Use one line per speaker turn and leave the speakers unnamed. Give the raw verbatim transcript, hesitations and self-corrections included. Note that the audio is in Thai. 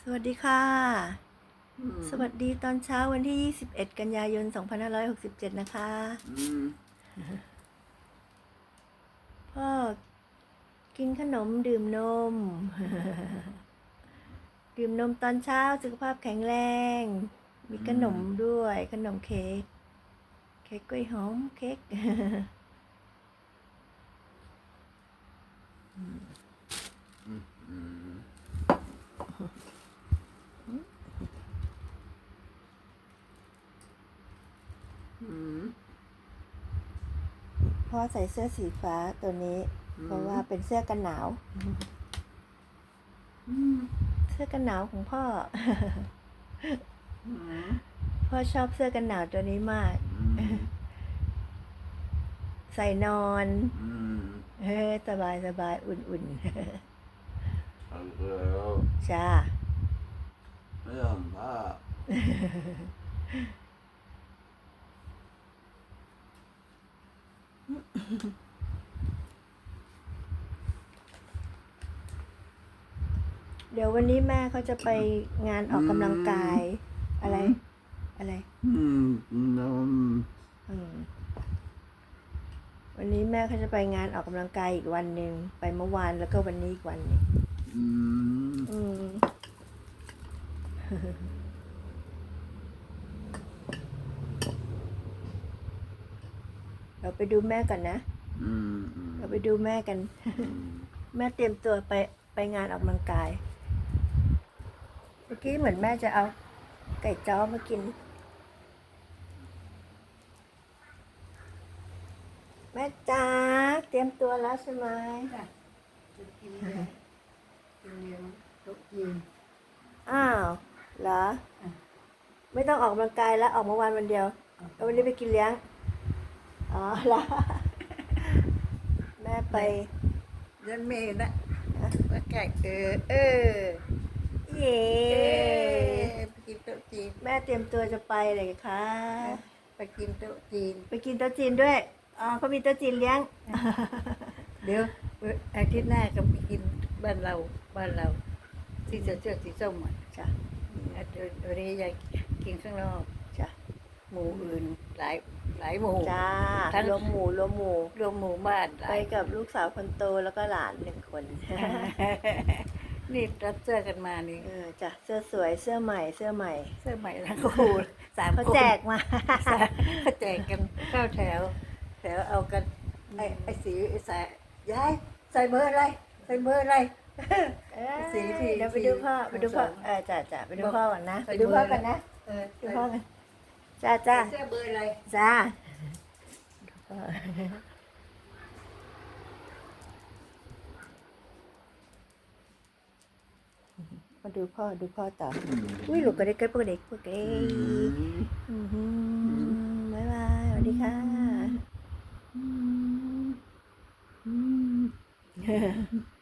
วัสดีค่ะสวัสดีตอนเช้าวันที่ยี่สิบเอ็ดกันยายนสองพันห้าร้อยหกสิบเจ็ดนะคะพ่อกินขนมดื่มนม ดื่มนมตอนเช้าสุขภาพแข็งแรงมีขนมด้วยขนมเค้กเค้กกล้วยหอมเค้กพ่อใส่เสื้อสีฟ้าตัวนี้เพราะว่าเป็นเสื้อกันหนาวเสื้อกันหนาวของพ่อพ่อชอบเสื้อกันหนาวตัวนี้มากใส่นอนเฮ้สบายสบายอุ่นๆจ้า
ไม่ยอมผ้า
เดี๋ยววันนี้แม่เขาจะไปงานออกกำลังกายอะไรอะไร
อืมนม
วันนี้แม่เขาจะไปงานออกกำลังกายอีกวันหนึ่งไปเมื่อวานแล้วก็วันนี้อีกวันนึงอืมอืมเราไปดูแม่กันนะเราไปดูแม่กันแม่เตรียมตัวไปไปงานออกกำลังกายเมื่อกี้เหมือนแม่จะเอาไก่จ้อมากินแม่จ๋าเตรียมตัวแล้วใช่ไหมจ้ะจะกินเลี้ยงกินเลี้ยงโต๊ะจีนอ้าวเหรอไม่ต้องออกกำลังกายแล้วออกเมื่อวานวันเดียวแล้ววันนี้ไปกินเลี้ยงอ๋อเหรอแม่ไป
ยันเมย์นะมาแกะเออเออ
เย่
ไปกินโต๊ะจีน
แม่เตรียมตัวจะไปเลยค่ะ
ไปกินโต๊ะจีน
ไปกินโต๊ะจีนด้วยอ๋อเขามีโต๊ะจีนเลี้ยง
เดี๋ยวอาทิตย์หน้าก็ไปกินบ้านเราบ้านเราที่เสื้อเสื้อสีส้มอ่ะ
จ้ะ
วันนี้อยากกินข้างนอก
จ้ะ
หมู่อื่นหลายหลายหมู่
จ้ารวมหมู่รวมหมู่
รวมหมู่บ้าน
ไปกับลูกสาวคนโตแล้วก็หลานหนึ่งคน
นี่รับเสื้อกันมานี่
เออจ้ะเสื้อสวยเสื้อใหม่เสื้อใหม่
เสื้อใหม่ทั้งคู่สามคน
เขาแจกมา
เขาแจกกันเข้าแถวแถวเอากันไอ้ไอ้สีไอ้สายยายใส่เบอร์อะไรใส่เบอร์อะไร
สีที่เดี๋ยวไปดูพ่อไปดูพ่อเออจ้ะจ้ะไปดูพ่อก่อนนะไปดูพ่อกันนะ
เออ
ดูพ่อกันจ้าจ้า
เสื้อเบอร์อะไร
จ้ามาดูพ่อดูพ่อต่ออุ้ยหลุดกระเด็กกระเด็กกระเด็กบ๊ายบายสวัสดีค่ะ